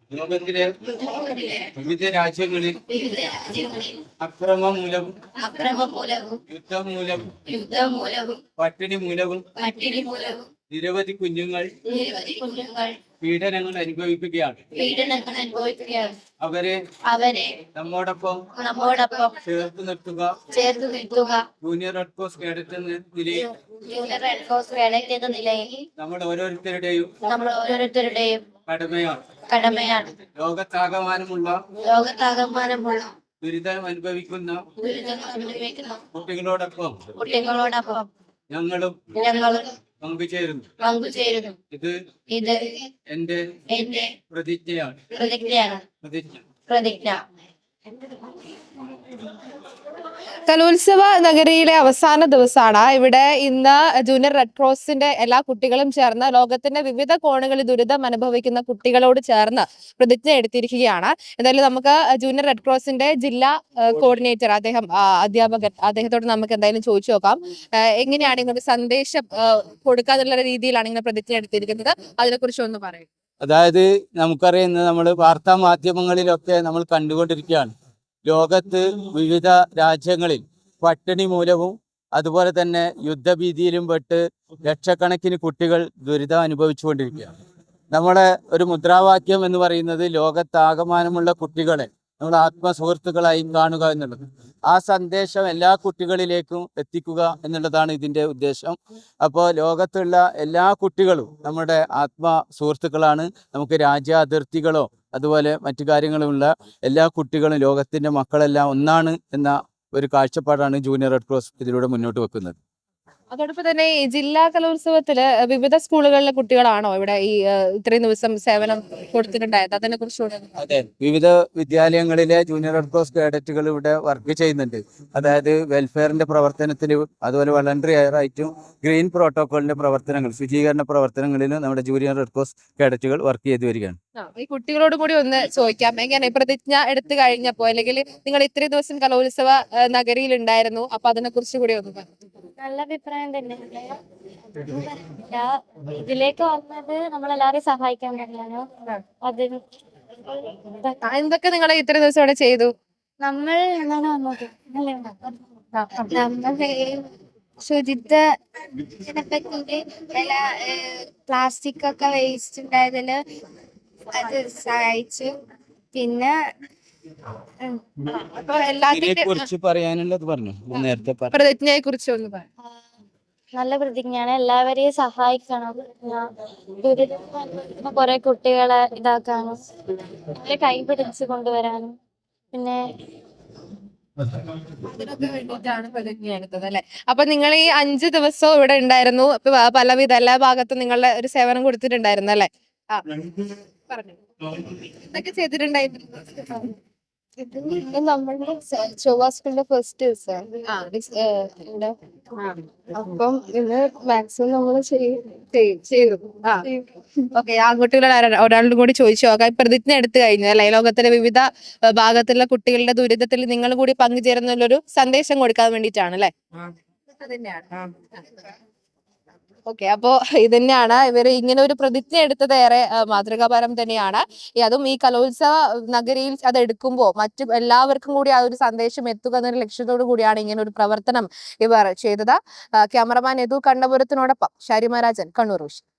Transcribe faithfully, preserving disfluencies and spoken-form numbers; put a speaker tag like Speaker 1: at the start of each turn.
Speaker 1: ലോകത്തിലെ വിവിധ രാജ്യങ്ങളിൽ അക്രമം മൂലവും
Speaker 2: അക്രമം മൂലവും
Speaker 1: യുദ്ധം മൂലവും
Speaker 2: യുദ്ധം മൂലവും
Speaker 1: പട്ടിണി മൂലവും
Speaker 2: പട്ടിണി മൂലവും
Speaker 1: നിരവധി കുഞ്ഞുങ്ങൾ
Speaker 2: നിരവധി കുഞ്ഞുങ്ങൾ
Speaker 1: പീഡനങ്ങൾ അനുഭവിക്കുകയാണ്.
Speaker 2: പീഡനങ്ങൾ അനുഭവിക്കുകയാണ്.
Speaker 1: അവരെ
Speaker 2: അവരെ
Speaker 1: നമ്മോടൊപ്പം
Speaker 2: നമ്മോടൊപ്പം
Speaker 1: ചേർത്ത് നിർത്തുക
Speaker 2: ചേർത്ത് നിർത്തുക.
Speaker 1: ജൂനിയർ റെഡ് ക്രോസ് കേഡറ്റ് എന്ന നിലയിൽ
Speaker 2: ജൂനിയർ റെഡ് ക്രോസ് കേഡറ്റ് എന്ന നിലയിൽ
Speaker 1: നമ്മൾ ഓരോരുത്തരുടെയും
Speaker 2: നമ്മൾ ഓരോരുത്തരുടെയും
Speaker 1: കടമയാണ്.
Speaker 2: കടമയാണ്.
Speaker 1: ലോകത്താകമാനമുള്ള
Speaker 2: ലോകത്താകമാനമുള്ള
Speaker 1: ദുരിതം അനുഭവിക്കുന്ന
Speaker 2: ദുരിതങ്ങൾ അനുഭവിക്കുന്ന
Speaker 1: കുട്ടികളോടൊപ്പം
Speaker 2: കുട്ടികളോടൊപ്പം
Speaker 1: ഞങ്ങളും
Speaker 2: ഞങ്ങളും
Speaker 1: പങ്കുചേരുന്നു.
Speaker 2: പങ്കുചേരുന്നു.
Speaker 1: ഇത്
Speaker 2: ഇത്
Speaker 1: എന്റെ
Speaker 2: എന്റെ
Speaker 1: പ്രതിജ്ഞയാണ്.
Speaker 2: പ്രതിജ്ഞയാണ്.
Speaker 1: പ്രതിജ്ഞ
Speaker 2: പ്രതിജ്ഞ.
Speaker 3: കലോത്സവ നഗരിയിലെ അവസാന ദിവസമാണ്. ഇവിടെ ഇന്ന് ജൂനിയർ റെഡ് ക്രോസിന്റെ എല്ലാ കുട്ടികളും ചേർന്ന് ലോകത്തിന്റെ വിവിധ കോണുകളിൽ ദുരിതം അനുഭവിക്കുന്ന കുട്ടികളോട് ചേർന്ന് പ്രതിജ്ഞ എടുത്തിരിക്കുകയാണ്. എന്തായാലും നമുക്ക് ജൂനിയർ റെഡ് ക്രോസിന്റെ ജില്ലാ കോർഡിനേറ്റർ അദ്ദേഹം അധ്യാപകൻ അദ്ദേഹത്തോട് നമുക്ക് എന്തായാലും ചോദിച്ചു നോക്കാം. എങ്ങനെയാണ് ഇങ്ങനെ സന്ദേശം കൊടുക്കാന്നുള്ള രീതിയിലാണ് ഇങ്ങനെ പ്രതിജ്ഞ എടുത്തിരിക്കുന്നത്, അതിനെക്കുറിച്ച് ഒന്ന് പറയും.
Speaker 1: അതായത് നമുക്കറിയുന്നത് നമ്മൾ വാർത്താ മാധ്യമങ്ങളിലൊക്കെ നമ്മൾ കണ്ടുകൊണ്ടിരിക്കുകയാണ്. ലോകത്ത് വിവിധ രാജ്യങ്ങളിൽ പട്ടിണി മൂലവും അതുപോലെ തന്നെ യുദ്ധഭീതിയിലും പെട്ട് ലക്ഷക്കണക്കിന് കുട്ടികൾ ദുരിതം അനുഭവിച്ചുകൊണ്ടിരിക്കുകയാണ്. നമ്മളെ ഒരു മുദ്രാവാക്യം എന്ന് പറയുന്നത് ലോകത്താകമാനമുള്ള കുട്ടികളെ നമ്മൾ ആത്മസുഹൃത്തുക്കളായി കാണുക എന്നുള്ളത്. ആ സന്ദേശം എല്ലാ കുട്ടികളിലേക്കും എത്തിക്കുക എന്നുള്ളതാണ് ഇതിൻ്റെ ഉദ്ദേശം. അപ്പോൾ ലോകത്തുള്ള എല്ലാ കുട്ടികളും നമ്മുടെ ആത്മ സുഹൃത്തുക്കളാണ്. നമുക്ക് രാജ്യാതിർത്തികളോ അതുപോലെ മറ്റു കാര്യങ്ങളുമുള്ള എല്ലാ കുട്ടികളും ലോകത്തിൻ്റെ മക്കളെല്ലാം ഒന്നാണ് എന്ന ഒരു കാഴ്ചപ്പാടാണ് ജൂനിയർ റെഡ് ക്രോസ് ഇതിലൂടെ മുന്നോട്ട് വെക്കുന്നത്.
Speaker 3: അതോടൊപ്പം തന്നെ ഈ ജില്ലാ കലോത്സവത്തില് വിവിധ സ്കൂളുകളിലെ കുട്ടികളാണോ ഇവിടെ ഈ ഇത്രയും ദിവസം സേവനം കൊടുത്തിട്ടുണ്ടായത്? അതിനെ കുറിച്ച്
Speaker 1: അതെ, വിവിധ വിദ്യാലയങ്ങളിലെ ജൂനിയർ റെഡ് ക്രോസ് കേഡറ്റുകൾ ഇവിടെ വർക്ക് ചെയ്യുന്നുണ്ട്. അതായത് വെൽഫെയറിന്റെ പ്രവർത്തനത്തിലും അതുപോലെ വളണ്ടറി ആയിട്ടും ഗ്രീൻ പ്രോട്ടോകോളിന്റെ പ്രവർത്തനങ്ങൾ ശുചീകരണ പ്രവർത്തനങ്ങളിലും നമ്മുടെ ജൂനിയർ റെഡ് ക്രോസ് കേഡറ്റുകൾ വർക്ക് ചെയ്തു വരികയാണ്.
Speaker 3: ഈ കുട്ടികളോട് കൂടി ഒന്ന് ചോദിക്കാം, എങ്ങനെ പ്രതിജ്ഞ എടുത്തു കഴിഞ്ഞപ്പോ അല്ലെങ്കിൽ നിങ്ങൾ ഇത്രയും ദിവസം കലോത്സവ നഗരിയിൽ ഉണ്ടായിരുന്നു, അപ്പൊ അതിനെ കുറിച്ച് കൂടി ഒന്ന് പറഞ്ഞു.
Speaker 4: നല്ല അഭിപ്രായം തന്നെ. ഇതിലേക്ക് വന്നത് നമ്മളെല്ലാരെയും സഹായിക്കാൻ തന്നെയാണ്. അതിന്
Speaker 3: എന്തൊക്കെ നിങ്ങൾ ഇത്രയും ദിവസം ഇവിടെ ചെയ്തു?
Speaker 4: നമ്മൾ എന്താണ് വന്നത് നമ്മൾ ശുചിത്വത്തിനെ പറ്റി പ്ലാസ്റ്റിക് ഒക്കെ വേസ്റ്റ് ഉണ്ടായതില് അത് സഹായിച്ചു. പിന്നെ
Speaker 3: പ്രതിജ്ഞയെ കുറിച്ച് ഒന്ന് പറയാം.
Speaker 4: നല്ല പ്രതിജ്ഞയാണ്. എല്ലാവരെയും സഹായിക്കണം. ദുരിതം കുറെ കുട്ടികളെ ഇതാക്കാനും അവരെ കൈ പിടിച്ച് കൊണ്ടുവരാനും പിന്നെ
Speaker 3: അതിനൊക്കെ വേണ്ടിയിട്ടാണ് പ്രതിജ്ഞ എടുത്തത് അല്ലെ? അപ്പൊ നിങ്ങൾ ഈ അഞ്ചു ദിവസവും ഇവിടെ ഉണ്ടായിരുന്നു. പലവിധ എല്ലാ ഭാഗത്തും നിങ്ങളുടെ ഒരു സേവനം കൊടുത്തിട്ടുണ്ടായിരുന്നു അല്ലെ? ആ പറഞ്ഞു, എന്തൊക്കെ ചെയ്തിട്ടുണ്ടായിരുന്നു?
Speaker 5: നമ്മളുടെ ചൊവ്വ സ്കൂളിന്റെ ഫസ്റ്റ് ദിവസം അപ്പം ഇന്ന് മാക്സിമം നമ്മൾ ചെയ്തു.
Speaker 3: ഓക്കെ, ആൺകുട്ടികളോട് ഒരാളുടെ കൂടി ചോദിച്ചു നോക്കാം. പ്രതിജ്ഞ എടുത്തു കഴിഞ്ഞു അല്ലെ? ലോകത്തിലെ വിവിധ ഭാഗത്തുള്ള കുട്ടികളുടെ ദുരിതത്തിൽ നിങ്ങൾ കൂടി പങ്കുചേരുന്നൊരു സന്ദേശം കൊടുക്കാൻ വേണ്ടിയിട്ടാണ് അല്ലെ? ഓക്കെ, അപ്പോ ഇത് തന്നെയാണ് ഇവര് ഇങ്ങനെ ഒരു പ്രതിജ്ഞ എടുത്തത് ഏറെ മാതൃകാപരം തന്നെയാണ്. അതും ഈ കലോത്സവ നഗരിയിൽ അത് എടുക്കുമ്പോൾ മറ്റു എല്ലാവർക്കും കൂടി ആ ഒരു സന്ദേശം എത്തുക എന്നൊരു ലക്ഷ്യത്തോടു കൂടിയാണ് ഇങ്ങനെ ഒരു പ്രവർത്തനം ഇവർ ചെയ്തത്. ക്യാമറമാൻ യദു കണ്ണപുരത്തിനോടൊപ്പം ഷാരിമ രാജൻ, കണ്ണൂർ.